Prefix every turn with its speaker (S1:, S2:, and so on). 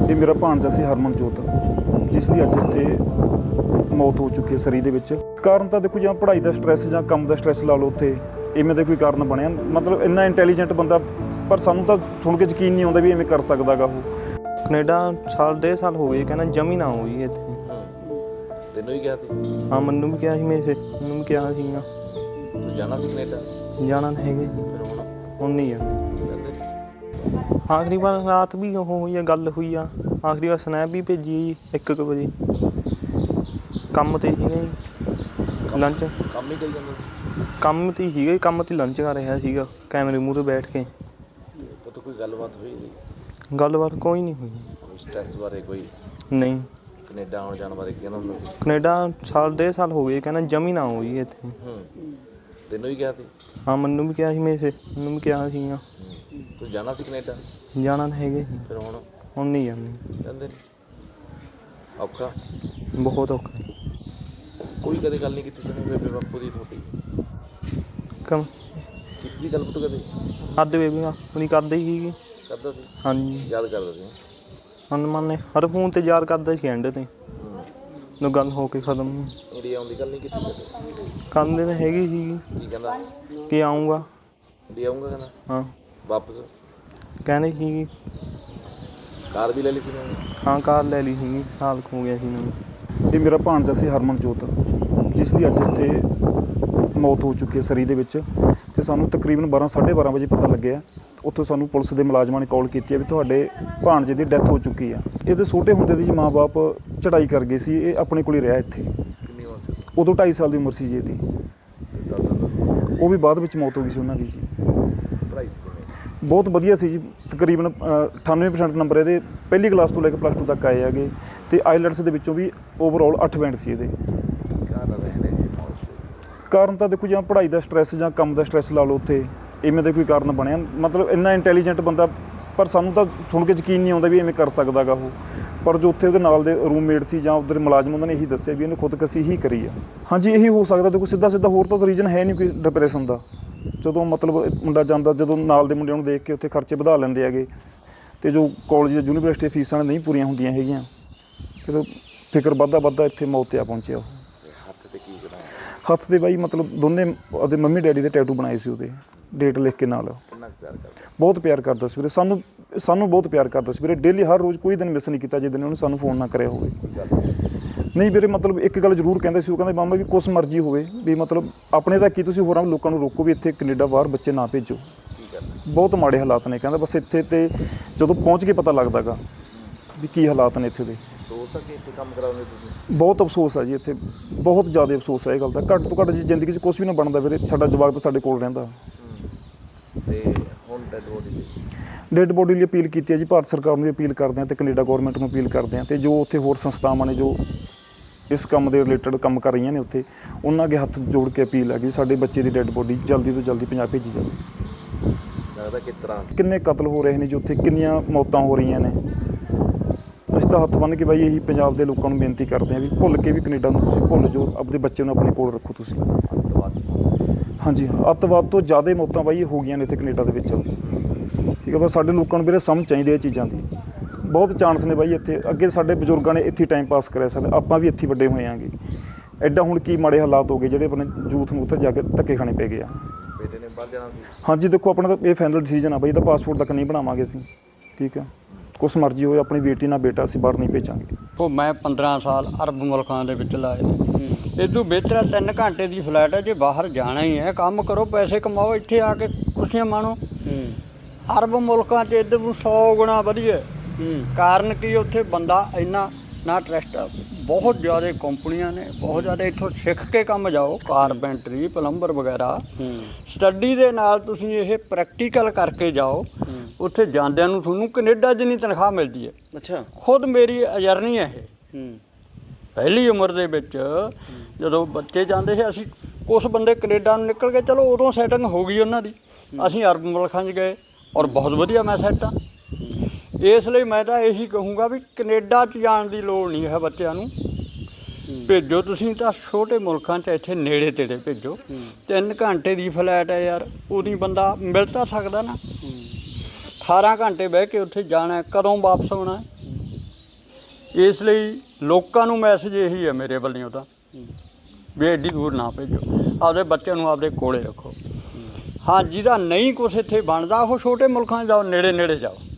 S1: ਇਹ ਮੇਰਾ ਭਾਣਜਾ ਸੀ ਹਰਮਨਜੋਤ, ਜਿਸ ਦੀ ਅੱਜ ਇੱਥੇ ਮੌਤ ਹੋ ਚੁੱਕੀ ਹੈ ਸਰੀ ਦੇ ਵਿੱਚ। ਕਾਰਨ ਤਾਂ ਦੇਖੋ ਜਾਂ ਪੜ੍ਹਾਈ ਦਾ ਸਟ੍ਰੈਸ ਜਾਂ ਕੰਮ ਦਾ ਸਟ੍ਰੈਸ ਲਾ ਲਓ, ਉੱਥੇ ਇਵੇਂ ਦਾ ਕੋਈ ਕਾਰਨ ਬਣਿਆ। ਮਤਲਬ ਇੰਨਾ ਇੰਟੈਲੀਜੈਂਟ ਬੰਦਾ, ਪਰ ਸਾਨੂੰ ਤਾਂ ਸੁਣ ਕੇ ਯਕੀਨ ਨਹੀਂ ਆਉਂਦਾ ਵੀ ਇਵੇਂ ਕਰ ਸਕਦਾ ਗਾ ਉਹ।
S2: ਕੈਨੇਡਾ ਸਾਲ 1.5 ਸਾਲ ਹੋ ਗਏ, ਕਹਿੰਦਾ ਜਮੀ ਨਾ ਹੋਈ ਇੱਥੇ।
S3: ਤੈਨੂੰ ਵੀ ਕਿਹਾ ਸੀ?
S2: ਹਾਂ, ਮੈਨੂੰ ਵੀ ਕਿਹਾ ਸੀ, ਮੈਨੂੰ ਵੀ ਕਿਹਾ ਸੀਗਾ।
S3: ਤੂੰ ਜਾਣਾ ਸੀ ਕੈਨੇਡਾ?
S2: ਜਾਣਾ ਤਾਂ ਹੈਗੇ,
S3: ਫਿਰ
S2: ਹੁਣ ਨਹੀਂ ਜਾਂਦੇ। ਆਖਰੀ ਵਾਰ ਰਾਤ ਵੀ ਉਹ ਹੋਈ ਆ, ਗੱਲ ਹੋਈ ਆ। ਆਖਰੀ ਵਾਰ ਸਨੈਪ ਵੀ ਭੇਜੀ 1 ਵਜੇ। ਕੰਮ 'ਤੇ ਸੀਗਾ ਜੀ, ਲੰਚ।
S3: ਕੰਮ ਹੀ ਕਰੀ ਜਾਂਦਾ ਸੀ?
S2: ਕੰਮ 'ਤੇ ਸੀਗਾ, ਕੰਮ 'ਤੇ ਲੰਚ ਕਰ ਰਿਹਾ ਸੀਗਾ ਕੈਮਰੇ ਮੂਹਰੇ ਬੈਠ ਕੇ।
S3: ਉਹ ਕੋਈ ਗੱਲਬਾਤ ਹੋਈ ਨਹੀਂ?
S2: ਗੱਲਬਾਤ ਕੋਈ ਨਹੀਂ ਹੋਈ।
S3: ਸਟ੍ਰੈਸ ਬਾਰੇ ਕੋਈ
S2: ਨਹੀਂ।
S3: ਕੈਨੇਡਾ ਆਉਣ ਜਾਣ ਬਾਰੇ ਕਹਿੰਦਾ ਹੁੰਦਾ ਸੀ?
S2: ਕੈਨੇਡਾ ਸਾਲ 1.5 ਸਾਲ ਹੋ ਗਏ, ਕਹਿੰਦਾ ਜਮੀ ਨਾ ਹੋਈ ਇੱਥੇ।
S3: ਤੈਨੂੰ ਵੀ ਕਿਹਾ ਸੀ?
S2: ਹਾਂ, ਮੈਨੂੰ ਵੀ ਕਿਹਾ ਸੀ, ਮੈਨੂੰ ਵੀ ਕਿਹਾ ਸੀਗਾ।
S3: ਤੂੰ ਜਾਣਾ ਸੀ ਕੈਨੇਡਾ?
S2: ਜਾਣਾ ਤਾਂ ਹੈਗੇ,
S3: ਫਿਰ
S2: ਹੁਣ ਨਹੀਂ ਜਾਂਦੇ।
S3: ਜਾਂਦੇ ਔਖਾ?
S2: ਬਹੁਤ ਔਖਾ।
S3: ਕੋਈ ਕਦੇ ਗੱਲ ਨਹੀਂ ਕੀਤੀ ਤੈਨੂੰ ਬੇਬੇ ਬਾਪੂ ਦੀ ਤੁਹਾਡੀ? ਕੀਤੀ ਗੱਲ ਪੁੱਤ ਕਦੇ?
S2: ਕਰਦੇ ਬੇਬੀ ਆਪਣੀ ਕਰਦੇ ਹੀ ਸੀਗੀ।
S3: ਕਰਦਾ ਸੀ?
S2: ਹਾਂਜੀ,
S3: ਯਾਦ ਕਰਦਾ ਸੀ?
S2: ਹਨੂੰਮਾਨ ਹਰ ਫੋਨ 'ਤੇ ਯਾਦ ਕਰਦਾ ਸੀ ਐਂਡ 'ਤੇ, ਜਦੋਂ ਗੱਲ ਹੋ ਕੇ ਖਤਮ।
S3: ਇੰਡੀਆ ਆਉਣ ਦੀ ਗੱਲ ਨਹੀਂ ਕੀਤੀ ਕਦੇ?
S2: ਕਰਦੇ ਤਾਂ ਹੈਗੀ ਸੀਗੀ।
S3: ਕੀ ਕਹਿੰਦਾ?
S2: ਕਿ ਆਊਂਗਾ।
S3: ਇੰਡੀਆ ਆਊਂਗਾ ਕਹਿੰਦਾ?
S2: ਹਾਂ,
S3: ਵਾਪਸ?
S2: ਕਹਿੰਦੇ ਸੀਗੀ।
S3: ਕਾਰ ਵੀ ਲੈ ਲਈ ਸੀ ਮੈਂ?
S2: ਹਾਂ, ਕਾਰ ਲੈ ਲਈ ਸੀਗੀ, ਸਾਲ ਕੁ ਹੋ ਗਿਆ ਸੀ ਮੈਨੂੰ।
S1: ਇਹ ਮੇਰਾ ਭਾਣਜਾ ਸੀ ਹਰਮਨਜੋਤ, ਜਿਸ ਦੀ ਅੱਜ ਇੱਥੇ ਮੌਤ ਹੋ ਚੁੱਕੀ ਹੈ ਸਰੀ ਦੇ ਵਿੱਚ। ਅਤੇ ਸਾਨੂੰ ਤਕਰੀਬਨ 12-12:30 ਵਜੇ ਪਤਾ ਲੱਗਿਆ। ਉੱਥੋਂ ਸਾਨੂੰ ਪੁਲਿਸ ਦੇ ਮੁਲਾਜ਼ਮਾਂ ਨੇ ਕਾਲ ਕੀਤੀ ਹੈ ਵੀ ਤੁਹਾਡੇ ਭਾਣਜੇ ਦੀ ਡੈਥ ਹੋ ਚੁੱਕੀ ਆ। ਇਹਦੇ ਛੋਟੇ ਹੁੰਦੇ ਦੀ ਜੀ ਮਾਂ-ਬਾਪ ਚੜ੍ਹਾਈ ਕਰ ਗਏ ਸੀ, ਇਹ ਆਪਣੇ ਕੋਲ ਹੀ ਰਿਹਾ ਇੱਥੇ।
S3: ਕਿੰਨੀ ਉਮਰ?
S1: ਉਦੋਂ 2.5 ਸਾਲ ਦੀ ਉਮਰ ਸੀ ਜੀ ਇਹਦੀ। ਉਹ ਵੀ ਬਾਅਦ ਵਿੱਚ ਮੌਤ ਹੋ ਗਈ ਸੀ ਉਹਨਾਂ ਦੀ ਜੀ।
S3: ਪੜ੍ਹਾਈ
S1: ਬਹੁਤ ਵਧੀਆ ਸੀ ਜੀ, ਤਕਰੀਬਨ 98% ਨੰਬਰ ਇਹਦੇ ਪਹਿਲੀ ਕਲਾਸ ਤੋਂ ਲੈ ਕੇ +2 ਤੱਕ ਆਏ ਹੈਗੇ। ਅਤੇ ਆਈਲੈਟਸ ਦੇ ਵਿੱਚੋਂ ਵੀ ਓਵਰਆਲ 8 ਬੈਂਡ ਸੀ ਇਹਦੇ। ਕਾਰਨ ਤਾਂ ਦੇਖੋ ਜਾਂ ਪੜ੍ਹਾਈ ਦਾ ਸਟ੍ਰੈਸ ਜਾਂ ਕੰਮ ਦਾ ਸਟ੍ਰੈਸ ਲਾ ਲਓ, ਉੱਥੇ ਇਵੇਂ ਦਾ ਕੋਈ ਕਾਰਨ ਬਣਿਆ। ਮਤਲਬ ਇੰਨਾ ਇੰਟੈਲੀਜੈਂਟ ਬੰਦਾ, ਪਰ ਸਾਨੂੰ ਤਾਂ ਸੁਣ ਕੇ ਯਕੀਨ ਨਹੀਂ ਆਉਂਦਾ ਵੀ ਇਵੇਂ ਕਰ ਸਕਦਾ ਗਾ ਉਹ। ਪਰ ਜੋ ਉੱਥੇ ਉਹਦੇ ਨਾਲ ਦੇ ਰੂਮਮੇਟ ਸੀ ਜਾਂ ਉੱਧਰ ਮੁਲਾਜ਼ਮ, ਉਹਨਾਂ ਨੇ ਇਹੀ ਦੱਸਿਆ ਵੀ ਇਹਨੇ ਖੁਦਕਸ਼ੀ ਹੀ ਕਰੀ ਆ। ਹਾਂਜੀ, ਇਹੀ ਹੋ ਸਕਦਾ। ਦੇਖੋ ਸਿੱਧਾ ਹੋਰ ਤਾਂ ਰੀਜ਼ਨ ਹੈ ਨਹੀਂ ਕੋਈ ਡਿਪਰੈਸ਼ਨ ਦਾ। ਜਦੋਂ ਮਤਲਬ ਮੁੰਡਾ ਜਾਂਦਾ, ਜਦੋਂ ਨਾਲ ਦੇ ਮੁੰਡਿਆਂ ਨੂੰ ਦੇਖ ਕੇ ਉੱਥੇ ਖਰਚੇ ਵਧਾ ਲੈਂਦੇ ਹੈਗੇ, ਅਤੇ ਜੋ ਕਾਲਜ ਜਾਂ ਯੂਨੀਵਰਸਿਟੀ ਫੀਸਾਂ ਨਹੀਂ ਪੂਰੀਆਂ ਹੁੰਦੀਆਂ ਹੈਗੀਆਂ, ਜਦੋਂ ਫਿਕਰ ਵੱਧਦਾ ਇੱਥੇ ਮੌਤ 'ਤੇ ਆ ਪਹੁੰਚਿਆ ਉਹ।
S3: ਹੱਥ 'ਤੇ ਕੀ ਕਰਾਂ?
S1: ਹੱਥ 'ਤੇ ਬਾਈ ਮਤਲਬ ਦੋਨੇ ਉਹਦੇ ਮੰਮੀ ਡੈਡੀ ਦੇ ਟੈਟੂ ਬਣਾਏ ਸੀ, ਉਹਦੇ ਡੇਟ ਲਿਖ ਕੇ ਨਾਲ।
S3: ਕਿੰਨਾ ਪਿਆਰ ਕਰਦਾ?
S1: ਬਹੁਤ ਪਿਆਰ ਕਰਦਾ ਸੀ ਵੀਰੇ, ਸਾਨੂੰ ਬਹੁਤ ਪਿਆਰ ਕਰਦਾ ਸੀ ਵੀਰੇ। ਡੇਲੀ ਹਰ ਰੋਜ਼ ਕੋਈ ਦਿਨ ਮਿਸ ਨਹੀਂ ਕੀਤਾ ਜਿਸ ਦਿਨ ਉਹਨੇ ਸਾਨੂੰ ਫੋਨ ਨਾ ਕਰਿਆ ਹੋਵੇ। ਨਹੀਂ ਵੀਰੇ, ਮਤਲਬ ਇੱਕ ਗੱਲ ਜ਼ਰੂਰ ਕਹਿੰਦੇ ਸੀ, ਉਹ ਕਹਿੰਦੇ ਮਾਮਾ ਵੀ ਕੁਛ ਮਰਜ਼ੀ ਹੋਵੇ, ਵੀ ਮਤਲਬ ਆਪਣੇ ਤਾਂ ਕੀ, ਤੁਸੀਂ ਹੋਰਾਂ ਲੋਕਾਂ ਨੂੰ ਰੋਕੋ ਵੀ ਇੱਥੇ ਕੈਨੇਡਾ ਬਾਹਰ ਬੱਚੇ ਨਾ ਭੇਜੋ। ਬਹੁਤ ਮਾੜੇ ਹਾਲਾਤ ਨੇ ਕਹਿੰਦਾ, ਬਸ ਇੱਥੇ ਤੇ ਜਦੋਂ ਪਹੁੰਚ ਕੇ ਪਤਾ ਲੱਗਦਾ ਗਾ ਵੀ ਕੀ ਹਾਲਾਤ ਨੇ ਇੱਥੇ ਦੇ।
S3: ਅਫਸੋਸ ਆ ਕਿ ਇੱਥੇ ਕੰਮ ਕਰਾਉਂਦੇ ਤੁਸੀਂ?
S1: ਬਹੁਤ ਅਫਸੋਸ ਹੈ ਜੀ, ਇੱਥੇ ਬਹੁਤ ਜ਼ਿਆਦਾ ਅਫਸੋਸ ਹੈ ਇਹ ਗੱਲ ਦਾ। ਘੱਟ ਤੋਂ ਘੱਟ ਜੀ ਜ਼ਿੰਦਗੀ 'ਚ ਕੁਛ ਵੀ ਨਾ ਬਣਦਾ ਵੀਰੇ, ਸਾਡਾ ਜਵਾਕ ਤਾਂ ਸਾਡੇ ਕੋਲ ਰਹਿੰਦਾ।
S3: ਤੇ ਹੁਣ
S1: ਡੈਡ ਬੋਡੀ ਲਈ ਅਪੀਲ ਕੀਤੀ ਹੈ ਜੀ, ਭਾਰਤ ਸਰਕਾਰ ਨੂੰ ਵੀ ਅਪੀਲ ਕਰਦੇ ਹਾਂ ਅਤੇ ਕੈਨੇਡਾ ਗੌਰਮੈਂਟ ਨੂੰ ਅਪੀਲ ਕਰਦੇ ਹਾਂ, ਅਤੇ ਜੋ ਉੱਥੇ ਹੋਰ ਸੰਸਥਾਵਾਂ ਨੇ ਜੋ ਇਸ ਕੰਮ ਦੇ ਰਿਲੇਟਡ ਕੰਮ ਕਰ ਰਹੀਆਂ ਨੇ ਉੱਥੇ, ਉਹਨਾਂ ਅੱਗੇ ਹੱਥ ਜੋੜ ਕੇ ਅਪੀਲ ਹੈ ਕਿ ਸਾਡੇ ਬੱਚੇ ਦੀ ਡੈਡ ਬੋਡੀ ਜਲਦੀ ਤੋਂ ਜਲਦੀ ਪੰਜਾਬ ਭੇਜੀ ਜਾਵੇ।
S3: ਲੱਗਦਾ ਕਿਸ ਤਰ੍ਹਾਂ
S1: ਕਿੰਨੇ ਕਤਲ ਹੋ ਰਹੇ ਨੇ ਜੀ ਉੱਥੇ, ਕਿੰਨੀਆਂ ਮੌਤਾਂ ਹੋ ਰਹੀਆਂ ਨੇ। ਅਸੀਂ ਤਾਂ ਹੱਥ ਬੰਨ੍ਹ ਕੇ ਬਾਈ ਇਹੀ ਪੰਜਾਬ ਦੇ ਲੋਕਾਂ ਨੂੰ ਬੇਨਤੀ ਕਰਦੇ ਹਾਂ ਵੀ ਭੁੱਲ ਕੇ ਵੀ ਕੈਨੇਡਾ ਨੂੰ ਤੁਸੀਂ ਭੁੱਲ ਜਾਓ, ਆਪਣੇ ਬੱਚੇ ਨੂੰ ਆਪਣੇ ਕੋਲ ਰੱਖੋ ਤੁਸੀਂ। ਹਾਂਜੀ, ਅੱਤਵਾਦ ਤੋਂ ਜ਼ਿਆਦਾ ਮੌਤਾਂ ਬਾਈ ਹੋ ਗਈਆਂ ਨੇ ਇੱਥੇ ਕੈਨੇਡਾ ਦੇ ਵਿੱਚ। ਠੀਕ ਹੈ, ਬਸ ਸਾਡੇ ਲੋਕਾਂ ਨੂੰ ਵੀਰੇ ਸਮਝ ਚਾਹੀਦੀ ਇਹ ਚੀਜ਼ਾਂ ਦੀ। ਬਹੁਤ ਚਾਂਸ ਨੇ ਬਾਈ ਇੱਥੇ, ਅੱਗੇ ਸਾਡੇ ਬਜ਼ੁਰਗਾਂ ਨੇ ਇੱਥੇ ਟਾਈਮ ਪਾਸ ਕਰਿਆ, ਸਾਡੇ ਆਪਾਂ ਵੀ ਇੱਥੇ ਵੱਡੇ ਹੋਏ ਆਂਗੇ। ਐਡਾ ਹੁਣ ਕੀ ਮਾੜੇ ਹਾਲਾਤ ਹੋ ਗਏ ਜਿਹੜੇ ਆਪਣੇ ਯੂਥ ਨੂੰ ਉੱਥੇ ਜਾ ਕੇ ਧੱਕੇ ਖਾਣੇ ਪੈ ਗਏ ਆ।
S3: ਬੇਟੇ ਨੇ ਬਾਹਰ ਜਾਣਾ ਸੀ? ਹਾਂਜੀ,
S1: ਦੇਖੋ ਆਪਣਾ ਤਾਂ ਇਹ ਫਾਈਨਲ ਡਿਸੀਜਨ ਆ ਬਾਈ, ਇਹਦਾ ਪਾਸਪੋਰਟ ਤੱਕ ਨਹੀਂ ਬਣਾਵਾਂਗੇ ਅਸੀਂ। ਠੀਕ ਆ, ਕੁਛ ਮਰਜ਼ੀ ਹੋਏ, ਆਪਣੀ ਬੇਟੀ ਨਾਲ ਬੇਟਾ ਅਸੀਂ ਬਾਹਰ ਨਹੀਂ ਭੇਜਾਂਗੇ।
S4: ਉਹ ਮੈਂ 15 ਸਾਲ ਅਰਬ ਮੁਲਕਾਂ ਦੇ ਵਿੱਚ ਲਾਏ ਨੇ। ਇਹ ਤੋਂ ਬਿਹਤਰ 3 ਘੰਟੇ ਦੀ ਫਲਾਈਟ ਹੈ, ਜੇ ਬਾਹਰ ਜਾਣਾ ਹੀ ਹੈ ਕੰਮ ਕਰੋ, ਪੈਸੇ ਕਮਾਓ, ਇੱਥੇ ਆ ਕੇ ਖੁਸ਼ੀਆਂ ਮਾਣੋ। ਅਰਬ ਮੁਲਕਾਂ 'ਚ ਇੱਧਰ ਨੂੰ 100 ਗੁਣਾ ਵਧੀਆ। ਕਾਰਨ ਕੀ, ਉੱਥੇ ਬੰਦਾ ਇੰਨਾ ਨਾ ਟਰਸਟ, ਬਹੁਤ ਜ਼ਿਆਦਾ ਕੰਪਨੀਆਂ ਨੇ, ਬਹੁਤ ਜ਼ਿਆਦਾ। ਇੱਥੋਂ ਸਿੱਖ ਕੇ ਕੰਮ ਜਾਓ, ਕਾਰਪੈਂਟਰੀ, ਪਲੰਬਰ ਵਗੈਰਾ। ਸਟੱਡੀ ਦੇ ਨਾਲ ਤੁਸੀਂ ਇਹ ਪ੍ਰੈਕਟੀਕਲ ਕਰਕੇ ਜਾਓ। ਉੱਥੇ ਜਾਂਦਿਆਂ ਨੂੰ ਤੁਹਾਨੂੰ ਕੈਨੇਡਾ ਜਿੰਨੀ ਤਨਖਾਹ ਮਿਲਦੀ ਹੈ।
S3: ਅੱਛਾ,
S4: ਖੁਦ ਮੇਰੀ ਅਜਰਨੀ ਹੈ ਇਹ। ਪਹਿਲੀ ਉਮਰ ਦੇ ਵਿੱਚ ਜਦੋਂ ਬੱਚੇ ਜਾਂਦੇ ਸੀ, ਅਸੀਂ ਕੁਛ ਬੰਦੇ ਕੈਨੇਡਾ ਨੂੰ ਨਿਕਲ ਗਏ, ਚਲੋ ਉਦੋਂ ਸੈਟਿੰਗ ਹੋ ਗਈ ਉਹਨਾਂ ਦੀ। ਅਸੀਂ ਅਰਬ ਮੁਲਕਾਂ 'ਚ ਗਏ ਔਰ ਬਹੁਤ ਵਧੀਆ ਮੈਂ ਸੈੱਟ ਹਾਂ। ਇਸ ਲਈ ਮੈਂ ਤਾਂ ਇਹੀ ਕਹੂੰਗਾ ਵੀ ਕੈਨੇਡਾ 'ਚ ਜਾਣ ਦੀ ਲੋੜ ਨਹੀਂ ਹੈ ਬੱਚਿਆਂ ਨੂੰ। ਭੇਜੋ ਤੁਸੀਂ ਤਾਂ ਛੋਟੇ ਮੁਲਕਾਂ 'ਚ, ਇੱਥੇ ਨੇੜੇ ਤੇੜੇ ਭੇਜੋ। 3 ਘੰਟੇ ਦੀ ਫਲਾਈਟ ਹੈ ਯਾਰ, ਉਹਦੀ ਬੰਦਾ ਮਿਲ ਤਾਂ ਸਕਦਾ ਨਾ। 18 ਘੰਟੇ ਬਹਿ ਕੇ ਉੱਥੇ ਜਾਣਾ, ਕਦੋਂ ਵਾਪਸ ਆਉਣਾ। ਇਸ ਲਈ ਲੋਕਾਂ ਨੂੰ ਮੈਸੇਜ ਇਹੀ ਹੈ ਮੇਰੇ ਵੱਲੋਂ ਤਾਂ ਵੀ ਐਡੀ ਦੂਰ ਨਾ ਭੇਜੋ, ਆਪਦੇ ਬੱਚਿਆਂ ਨੂੰ ਆਪਦੇ ਕੋਲੇ ਰੱਖੋ। ਹਾਂ, ਜਿਹਦਾ ਨਹੀਂ ਕੁਛ ਇੱਥੇ ਬਣਦਾ ਉਹ ਛੋਟੇ ਮੁਲਕਾਂ 'ਚ ਜਾਓ, ਨੇੜੇ ਨੇੜੇ ਜਾਓ।